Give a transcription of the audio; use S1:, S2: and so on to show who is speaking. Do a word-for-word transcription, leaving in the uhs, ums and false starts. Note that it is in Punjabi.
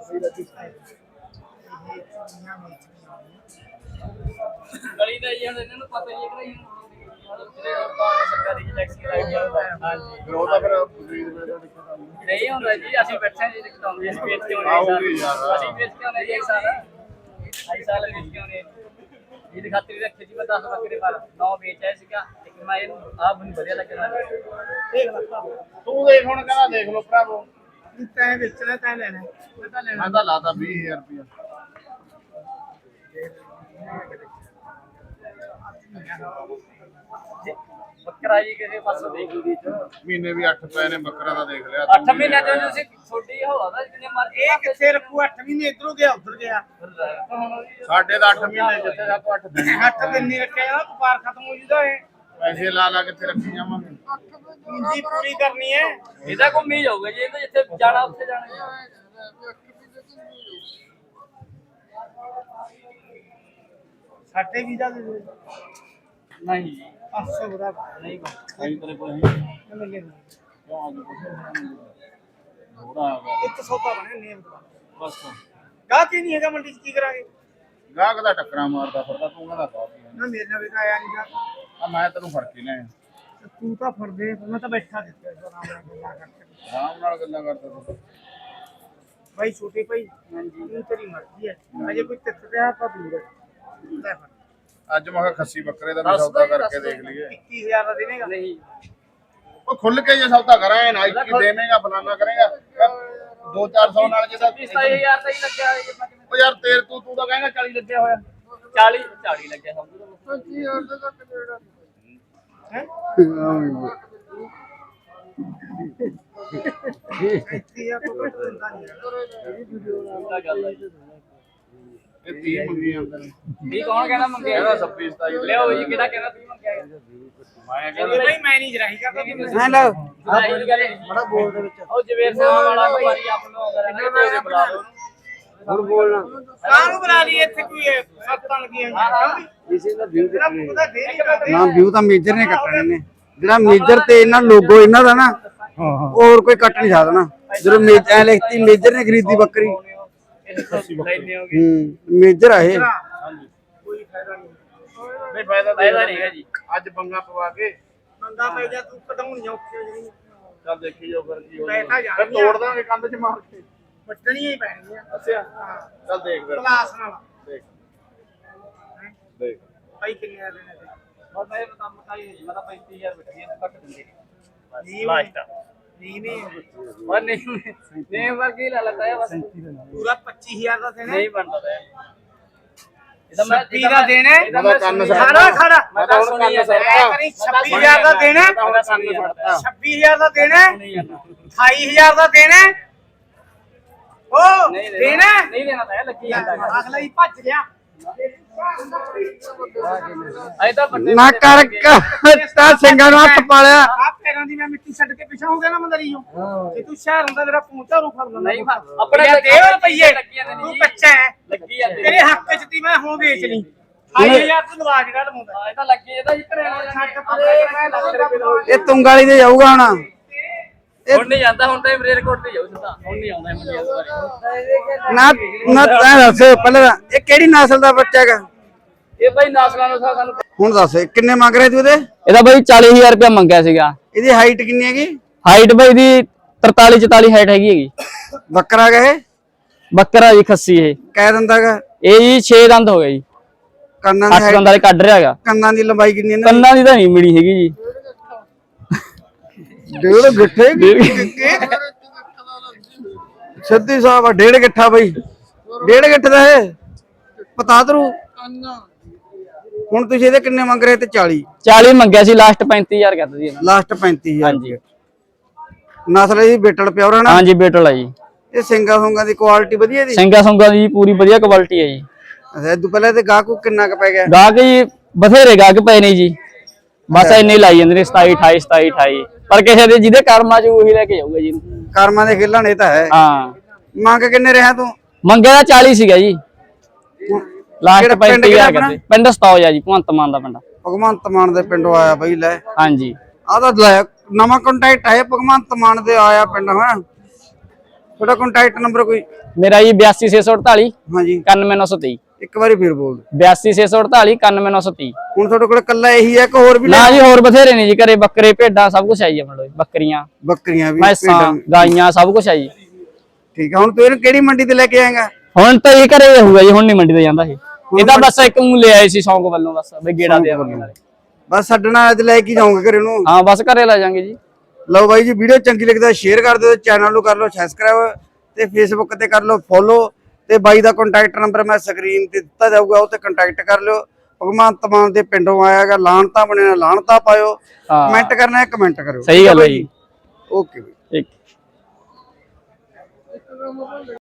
S1: ਗਲੀ ਦਾ ਜੀ ਹੁਣ ਇਹਨਾਂ ਨੂੰ ਪਤਾ ਹੀ ਹੈ ਕਿ ਸਰਕਾਰੀ ਟੈਕਸੀ ਲੱਗ ਜਾਂਦਾ ਹਾਂਜੀ
S2: ਉਹ ਤਾਂ ਫਿਰ
S1: ਨਹੀਂ ਹੁੰਦਾ ਜੀ ਅਸੀਂ ਬੈਠੇ ਜੀ ਦਿਖਾਉਂਦੇ ਅਸੀਂ ਵੇਚ ਕੇ ਆਉਣੇ ਅਸੀਂ ਵੇਚ ਕੇ ਆਉਣੇ ਜੀ ਸਾਲ ਆਈ ਸਾਲ ਵੇਚ ਕੇ ਆਉਣੇ ਇਹਦੀ ਖਾਤਰ ਰੱਖੇ ਜੀ ਮੈਂ ਦਸ ਬੱਕਰੇ ਪਰ ਨੌ ਵੇਚ ਆਇਆ ਸੀਗਾ ਲੇਕਿਨ ਮੈਂ ਇਹਨੂੰ ਆਪ ਨੂੰ ਵਧੀਆ ਲੱਗਿਆ ਦੇਖ ਲੈ
S2: ਤੂੰ ਦੇਖ ਹੁਣ ਕਹਿੰਦਾ ਦੇਖ ਲੋ ਭਰਾਵੋ
S1: ਤੈਂ ਵੇਚਣਾ ਤੈਂ ਲੈਣਾ ਮੈਂ ਤਾਂ ਲੈਣਾ
S2: ਮੈਂ ਤਾਂ ਲਾਤਾ ਵੀਹ ਹਜ਼ਾਰ ਰੁਪਇਆ
S1: ਬੱਕਰਾ ਜੀ ਕਿਸੇ ਪਾਸੋਂ ਦੇਖ ਲਈ ਚ
S2: ਮਹੀਨੇ ਵੀ ਅੱਠ ਪਏ ਨੇ ਬੱਕਰਾ ਦਾ ਦੇਖ ਲਿਆ
S1: ਅੱਠ ਮਹੀਨੇ ਤੋਂ ਤੁਸੀਂ ਛੋਟੀ ਹੋਵਾ ਜਿੰਨੇ ਮਰਜ਼ੀ ਇਹ ਕਿੱਥੇ ਰੱਖੂ ਅੱਠ ਮਹੀਨੇ ਇਧਰੋਂ ਗਿਆ ਉਧਰ ਗਿਆ
S2: ਸਾਡੇ ਦਾ ਅੱਠ ਮਹੀਨੇ ਜਿੱਥੇ ਦਾ ਅੱਠ ਦਿਨ
S1: ਅੱਠ ਦਿਨ ਨਹੀਂ ਰੱਖਿਆ ਨਾ ਵਪਾਰ ਖਤਮ ਹੋ ਜੂਦਾ ਇਹ
S2: ਪੈਸੇ ਲਾ ਲਾ ਕਿੱਥੇ ਰੱਖੀ ਜਾਵਾਂਗੇ
S1: ਪੂੰਜੀ ਪੂਰੀ ਕਰਨੀ ਹੈ ਇਹਦਾ ਘੁੰਮੀ ਜਾਊਗਾ ਜੀ ਇਹ ਤਾਂ ਜਿੱਥੇ ਜਾਣਾ ਉੱਥੇ ਜਾਣਾ ਸਾਡੇ ਵੀਜ਼ਾ ਦੇ ਦੇ ਨਹੀਂ ਪੰਜ ਸੌ ਬਰਾ ਨਹੀਂ ਕੋਈ ਤੇਰੇ ਕੋਲ ਨਹੀਂ ਮਿਲੇ
S2: ਥੋੜਾ
S1: ਇੱਕ ਸੌਦਾ ਬਣੇ ਨੇਮ ਬਸ ਗਾ ਕੀ ਨਹੀਂ ਹੈਗਾ ਮੰਡੀ ਚ ਕੀ ਕਰਾਂਗੇ
S2: ਗਾਹਕ ਦਾ ਟੱਕਰਾਂ ਮਾਰਦਾ ਫਿਰਦਾ ਤੂੰ ਕਹਿੰਦਾ ਕਾਫੀ
S1: ਨਾ ਮੇਰੇ ਨਾਲ ਵੀ ਤਾਂ ਆਇਆ ਨਹੀਂ ਗਾ
S2: ਆ ਮੈਂ ਤੈਨੂੰ ਫੜ ਕੇ ਲਿਆ
S1: ਤੂੰ ਤਾਂ ਫੜਦੇ ਮੈਂ ਤਾਂ ਬੈਠਾ ਦਿੱਤਾ ਆਰਾਮ ਨਾਲ ਗੱਲਾਂ ਕਰਕੇ
S2: ਆਰਾਮ ਨਾਲ ਗੱਲਾਂ ਕਰਦਾ ਤੂੰ
S1: ਭਾਈ ਛੋਟੇ ਭਾਈ ਹਾਂਜੀ ਇਹ ਤੇਰੀ ਮਰਜ਼ੀ ਹੈ ਅਜੇ ਕੋਈ ਤਿੱਥ ਤੇ ਆ ਤਾਂ ਦੂਰ ਹੈ
S2: ਅੱਜ ਮੈਂ ਕਿਹਾ ਖੱਸੀ ਬੱਕਰੇ ਦਾ ਵੀ ਸੌਦਾ ਕਰਕੇ ਦੇਖ ਲਈਏ
S1: ਇੱਕੀ ਹਜ਼ਾਰ ਦਾ ਦੇਵੇਂਗਾ ਨਹੀਂ
S2: ਉਹ ਖੁੱਲ ਕੇ ਜੇ ਸੌਦਾ ਕਰਾਂ ਨਾ ਇੱਕੀ ਦੇਵੇਂਗਾ ਫਲਾਨਾ ਕਰੇਗਾ ਦੋ ਚਾਰ ਸੌ ਨਾਲ ਜਿਹਦਾ
S1: ਸਤਾਈ ਹਜ਼ਾਰ ਦਾ ਹੀ ਲੱਗਿਆ ਹੋਇਆ
S2: ਉਹ ਯਾਰ ਤੇਰ ਤੂੰ ਤੂੰ ਤਾਂ ਕਹਿੰਦਾ ਚਾਲੀ ਲੱਗਿਆ ਹੋਇਆ
S1: ਚਾਲੀ ਚਾਲੀ ਲੱਗਿਆ ਸਮਝ
S2: ਪੱਚੀ ਹਜ਼ਾਰ ਦਾ ਤੱਕ ਦੇਣਾ
S1: ਹੈ ਇੱਕੀ ਹਜ਼ਾਰ ਤੋਂ ਘੱਟ ਦਿੰਦਾ ਨਹੀਂ ਇਹ ਵੀਡੀਓ ਨਾਲ ਗੱਲ ਹੈ
S2: ਇਹ ਤੀਹ ਮੰਗੀ ਜਾਂਦੇ ਨੇ
S1: ਵੀ ਕੌਣ ਕਹਿੰਦਾ ਮੰਗਿਆ
S2: ਇਹਦਾ ਛੱਬੀ ਸਤਾਈ
S1: ਲਿਓ ਜੀ ਕਿਹੜਾ ਕਹਿੰਦਾ ਤੀਹ ਮੰਗਿਆ
S2: ਮੈਂ
S1: ਕਹਿੰਦਾ ਭਾਈ ਮੈਂ ਨਹੀਂ ਜਰਾਹੀ ਕਰਦਾ
S3: ਹਾਂ ਲਓ
S1: ਬੜਾ ਬੋਲ ਦੇ ਵਿੱਚ ਉਹ ਜਵੇਰ ਸਿੰਘ ਵਾਲਾ ਭਾਈ ਆਪ ਨੂੰ ਅਗਰ ਬੁਲਾ ਲਓ
S3: ਹੁਣ ਬੋਲਣਾ
S1: ਕਾਹਨੂੰ ਬੁਲਾ ਲਈ ਇੱਥੇ ਕੋਈ ਸੱਤਾਂ ਲੱਗੀਆਂ ਹੋਈਆਂ
S3: ਇਸੇ ਦਾ ਵਿਊ
S1: ਤੇਰਾ ਪੂਰਾ ਦੇ ਹੀ
S3: ਨਾ ਵਿਊ ਤਾਂ ਮੇਜਰ ਨੇ ਕੱਟਣੇ ਨੇ ਜਿਹੜਾ ਮੇਜਰ ਤੇ ਇਹਨਾਂ ਲੋਗੋ ਇਹਨਾਂ ਦਾ ਨਾ ਹੋਰ ਕੋਈ ਕੱਟ ਨਹੀਂ ਸਕਦਾ ਨਾ ਜਦੋਂ ਮੇਜ ਐ ਲਿਖਤੀ ਮੇਜਰ ਨੇ ਖਰੀਦੀ ਬੱਕਰੀ ਹੂੰ ਮੇਜਰ ਆ ਇਹ
S1: ਕੋਈ ਫਾਇਦਾ ਨਹੀਂ
S2: ਨਹੀਂ ਫਾਇਦਾ
S1: ਫਾਇਦਾ ਨਹੀਂ ਹੈ ਜੀ
S2: ਅੱਜ ਪੰਗਾ ਪਵਾ ਕੇ
S1: ਮੰਗਾ ਪੈ ਜਾ ਤੂੰ ਕਢਾਉਣੀਆਂ ਔਖੀਆਂ ਜਿਹੜੀਆਂ
S2: ਚੱਲ ਦੇਖੀ ਜਾਓ ਫਿਰ ਕੀ
S1: ਮੈਂ ਤਾਂ
S2: ਹੋਊਗਾ
S1: ਜਾਣਦੀ
S2: ਫਿਰ ਤੋੜ ਦਾਂਗੇ ਕੰਧ 'ਚ ਮਾਰ ਕੇ
S1: ਵੱਟਣੀਆਂ ਹੀ ਪੈਣਗੀਆਂ
S2: ਅੱਛਾ
S1: ਹਾਂ
S2: ਚੱਲ ਦੇਖ ਫਿਰ
S1: ਕਲਾਸ ਨਾਲ
S2: ਦੇਖ ਦੇਖ
S1: ਭਾਈ ਕਿੰਨੇ ਆ ਦੇਣੇ ਤੇ ਬਸ ਮੈਂ ਤਾਂ ਮਕਾਈ ਮੈਂ ਤਾਂ ਪੈਂਤੀ ਹਜ਼ਾਰ ਬੈਠੀਆਂ ਘੱਟ ਦਿੰਦੇ ਜੀ ਲਾਸਟ ਨਹੀਂ ਨਹੀਂ ਉਹ ਨਹੀਂ ਨਹੀਂ ਵਰਗੀ ਲਾ ਲਤਾ ਹੈ ਬਸ ਪੂਰਾ ਪੱਚੀ ਹਜ਼ਾਰ ਦਾ ਦੇਣਾ ਨਹੀਂ ਬਣਦਾ ਤੇ ਇਹਦਾ ਮੈਂ ਛੱਬੀ ਦਾ ਦੇਣਾ
S2: ਮੈਂ ਤਾਂ ਕੰਨ
S1: ਖੜਾ ਖੜਾ
S2: ਮੈਂ ਤਾਂ ਹੁਣ ਕੰਨ ਸਰਦਾ
S1: ਛੱਬੀ ਹਜ਼ਾਰ ਦਾ ਦੇਣਾ ਛੱਬੀ ਹਜ਼ਾਰ ਦਾ ਦੇਣਾ ਅਠਾਈ ਹਜ਼ਾਰ ਦਾ ਦੇਣਾ ਉਹ ਦੇਣਾ ਨਹੀਂ ਦੇਣਾ ਤਾਂ ਲੱਗੀ ਜਾਂਦਾ ਅਗਲਾ ਹੀ ਭੱਜ ਗਿਆ ਅਜੇ ਤਾਂ ਵੱਡੇ
S3: ਨਾ ਕਰ ਤਾ ਸਿੰਘਾਂ ਨੂੰ ਹੱਥ ਪਾਲਿਆ
S1: ਆ ਪੈਰਾਂ ਦੀ ਮੈਂ ਮਿੱਟੀ ਛੱਡ ਕੇ ਪਿਛਾ ਹੋ ਗਿਆ ਨਾ ਮੰਦਰੀਓ ਜੇ ਤੂੰ ਸ਼ਹਿਰ ਹੁੰਦਾ ਮੇਰਾ ਪੂੰਚਾ ਰੂ ਫੜ ਲੈਂਦਾ ਨਹੀਂ ਆਪਣੇ ਦੇ ਰੁਪਈਏ ਤੂੰ ਕੱਚਾ ਹੈ ਲੱਗੀ ਜਾਂਦੇ ਤੇਰੇ ਹੱਕ ਚ ਤੀ ਮੈਂ ਹੁਣ ਵੇਚ ਲਈ ਅਠਾਈ ਹਜ਼ਾਰ ਤੂੰ ਲਵਾ ਜਿਹੜਾ ਲਵਾਉਂਦਾ ਇਹ ਤਾਂ ਲੱਗੀ ਇਹਦਾ ਹੀ ਘਰੇ ਛੱਡ ਪਰੇ ਮੈਂ ਲੱਖ ਰੁਪਏ ਦਾ
S3: ਇਹ ਤੁੰਗਾਲੀ ਤੇ ਜਾਊਗਾ ਹੁਣ
S1: ਹੁਣ ਨਹੀਂ ਜਾਂਦਾ ਹੁਣ ਤਾਂ ਮਰੇਰਕੋਟ ਤੇ ਜਾਊ ਸਿੱਧਾ ਹੁਣ ਨਹੀਂ ਆਉਂਦਾ ਮੰਡੀ ਵਾਲੀ
S3: ਨਾ ਨਾ ਤੈਂ ਦੱਸ ਪਹਿਲਾਂ ਤਾਂ, ਇਹ ਕਿਹੜੀ ਨਸਲ ਦਾ ਬੱਚਾ ਹੈਗਾ
S1: ਇਹ ਭਾਈ ਨਾਸਲਾਂ ਨੂੰ ਸਾਨੂੰ
S3: ਹੁਣ ਦੱਸ ਇਹ ਕਿੰਨੇ ਮੰਗ ਰਹੇ ਤੂੰ ਇਹਦੇ
S4: ਇਹਦਾ ਬਾਈ ਚਾਲੀ ਹਜ਼ਾਰ ਰੁਪਇਆ ਮੰਗਿਆ ਸੀਗਾ
S3: ਇਹਦੀ ਹਾਈਟ ਕਿੰਨੀ ਹੈਗੀ
S4: ਹਾਈਟ ਬਾਈ ਦੀ ਤਰਤਾਲੀ ਚੁਤਾਲੀ ਹਾਈਟ ਹੈਗੀ ਹੈਗੀ
S3: ਬੱਕਰਾ ਹੈਗਾ ਇਹ
S4: ਬੱਕਰਾ ਜੀ ਖੱਸੀ ਇਹ
S3: ਕਹਿ ਦਿੰਦਾ ਹੈਗਾ
S4: ਇਹ ਜੀ ਛੇ ਦੰਦ ਹੋ ਗਏ ਜੀ
S3: ਕੰਨਾਂ ਦੀ
S4: ਅੱਠ
S3: height-
S4: ਦੰਦਾਂ ਦੇ ਕੱਢ ਰਿਹਾ ਹੈਗਾ
S3: ਕੰਨਾਂ ਦੀ ਲੰਬਾਈ ਕਿੰਨੀ ਹੈ
S4: ਕੰਨਾਂ ਦੀ ਤਾਂ ਨਹੀਂ ਮਿਲੀ ਹੈਗੀ ਜੀ
S3: ਡੇਢ ਗਿੱਠੇ ਸਿੱਧੀ ਸਾਹਿਬ ਡੇਢ ਗਿੱਠਾ ਬਈ ਡੇਢ ਗਿੱਠ ਦਾ ਇਹ ਪਤਾ ਤਰੂ ਹੁਣ ਤੁਸੀਂ ਇਹਦੇ ਕਿੰਨੇ ਮੰਗ ਰਹੇ ਤੇ ਚਾਲੀ
S4: ਚਾਲੀ ਮੰਗਿਆ ਸੀ ਲਾਸਟ ਪੈਂਤੀ ਹਜ਼ਾਰ ਕਹਿੰਦਾ ਜੀ
S3: ਲਾਸਟ ਪੈਂਤੀ ਹਜ਼ਾਰ
S4: ਹਾਂਜੀ
S3: ਨਸਲ ਇਹਦੀ ਬੇਟਲ ਪਿਓਰ ਹੈ ਨਾ
S4: ਹਾਂਜੀ ਬੇਟਲ ਆ ਜੀ
S3: ਇਹ ਸਿੰਗਾ ਸੁੰਗਾ ਦੀ ਕੁਆਲਿਟੀ ਵਧੀਆ ਦੀ
S4: ਸਿੰਘਾ ਸੁੰਗਾ ਦੀ ਪੂਰੀ ਵਧੀਆ ਕੁਆਲਿਟੀ ਹੈ ਜੀ
S3: ਅੱਛਾ ਇਹ ਤੋਂ ਪਹਿਲਾਂ ਤੇ ਗਾਹਕੂ ਕਿੰਨਾ ਕ ਪੈ ਗਿਆ
S4: ਗਾਹਕ ਜੀ ਬਥੇਰੇ ਗਾਹਕ ਪਏ ਨੇ ਜੀ ਬਸ ਇੰਨੇ ਹੀ ਲਾਈ ਜਾਂਦੇ ਨੇ ਸਤਾਈ ਅਠਾਈ ਸਤਾਈ ਅਠਾਈ ਪਰ ਕਿਸੇ ਦੇ ਜਿਹਦੇ ਕਰਮਾਂ ਚ ਉਹੀ ਲੈ ਕੇ ਜਾਊਗਾ ਜੀ
S3: ਕਰਮਾਂ ਦੇ ਖੇਲਣ ਇਹ ਤਾਂ ਹੈ
S4: ਹਾਂ
S3: ਮੰਗ ਕਿੰਨੇ ਰਿਹਾ ਤੂੰ
S4: ਮੰਗਿਆ ਤਾਂ ਚਾਲੀ ਸੀਗਾ ਜੀ ਲਾਸਟ
S3: ਕਿਹੜਾ ਪਿੰਡ
S4: ਪੈਂਤੀ ਹਜ਼ਾਰ
S3: ਕਿਹੜਾ
S4: ਕਹਿੰਦੇ ਪਿੰਡ ਸਤੌਜ ਆ ਜੀ ਭਗਵੰਤ ਮਾਨ ਦਾ ਪਿੰਡ
S3: ਭਗਵੰਤ ਮਾਨ ਦੇ ਪਿੰਡੋਂ ਆਇਆ ਬਈ ਲੈ
S4: ਹਾਂਜੀ
S3: ਆਹ ਤਾਂ ਲੈ ਨਵਾਂ ਕੰਟੈਕਟ ਹੈ ਭਗਵੰਤ ਮਾਨ ਦੇ ਆਇਆ ਪਿੰਡ ਹਾਂ ਤੁਹਾਡਾ ਕੰਟੈਕਟ ਨੰਬਰ ਕੋਈ?
S4: ਮੇਰਾ ਜੀ ਬਿਆਸੀ ਛੇ ਸੌ ਅੜਤਾਲੀ
S3: ਹਾਂਜੀ
S4: ਇਕਾਨਵੇਂ ਨੌ ਸੌ ਤੇਈ।
S3: ਇੱਕ ਵਾਰੀ ਫੇਰ ਬੋਲ ਦਿਓ।
S4: ਬਿਆਸੀ ਛੇ ਸੌ ਅੜਤਾਲੀ ਇਕਾਨਵੇਂ ਨੌ ਸੌ ਤੀਹ।
S3: ਹੁਣ ਤੁਹਾਡੇ ਕੋਲ ਕੱਲਾ ਇਹੀ ਹੈ ਕਿ ਹੋਰ ਵੀ?
S4: ਨਾ ਜੀ ਹੋਰ ਬਥੇਰੇ ਨੇ ਜੀ, ਘਰੇ ਬੱਕਰੇ ਭੇਡਾਂ ਸਭ ਕੁਝ ਆਈ ਆਪਣੇ ਕੋਲ, ਬੱਕਰੀਆਂ
S3: ਬੱਕਰੀਆਂ ਵੀ,
S4: ਮੈਸਾਂ ਗਾਈਆਂ ਸਭ ਕੁਝ ਆਈ।
S3: ਠੀਕ ਹੈ। ਹੁਣ ਤੂੰ ਇਹਨੂੰ ਕਿਹੜੀ ਮੰਡੀ ਤੇ ਲੈ ਕੇ ਆਏਗਾ?
S4: ਹੁਣ ਤਾਂ ਇਹ ਘਰੇ ਹੋਊਗਾ ਜੀ, ਹੁਣ ਨਹੀਂ ਮੰਡੀ ਤੇ ਜਾਂਦਾ ਇਹ। ਇਹ ਤਾਂ ਬਸ ਇੱਕ ਨੂੰ ਲੈ ਆਏ ਸੀ ਸ਼ੌਂਕ ਵੱਲੋਂ, ਬਸ ਬਈ ਗੇੜਾ ਦੇ ਆਵਾਂਗੇ ਨਾਲੇ।
S3: ਬਸ ਛੱਡਣਾ ਅੱਜ ਲੈ ਕੇ ਜਾਓਗੇ ਘਰੇ ਨੂੰ?
S4: ਹਾਂ ਬਸ ਘਰੇ ਲੈ ਜਾਾਂਗੇ ਜੀ।
S3: ਲਓ ਬਾਈ ਜੀ, ਵੀਡੀਓ ਚੰਗੀ ਲੱਗਦਾ ਸ਼ੇਅਰ ਕਰ ਦਿਓ, ਚੈਨਲ ਨੂੰ ਕਰ ਲਓ ਸਬਸਕ੍ਰਾਈਬ ਤੇ ਫੇਸਬੁੱਕ ਤੇ ਕਰ ਲਓ ਫੋਲੋ ਤੇ ਬਾਈ ਦਾ ਕੰਟੈਕਟ ਨੰਬਰ ਮੈਂ ਸਕਰੀਨ ਤੇ ਦਿੱਤਾ ਜਾਊਗਾ, ਉਹ ਤੇ ਕੰਟੈਕਟ ਕਰ ਲਿਓ। ਭਗਵੰਤ ਮਾਨ ਦੇ ਪਿੰਡੋਂ ਆਇਆਗਾ, ਲਾਣਤਾ ਬਣਿਆ ਲਾਣਤਾ ਪਾਇਓ, ਕਮੈਂਟ ਕਰਨਾ ਹੈ ਕਮੈਂਟ ਕਰਿਓ।
S4: ਸਹੀ ਗੱਲ ਹੈ ਜੀ।
S3: ਓਕੇ।
S4: ਠੀਕ।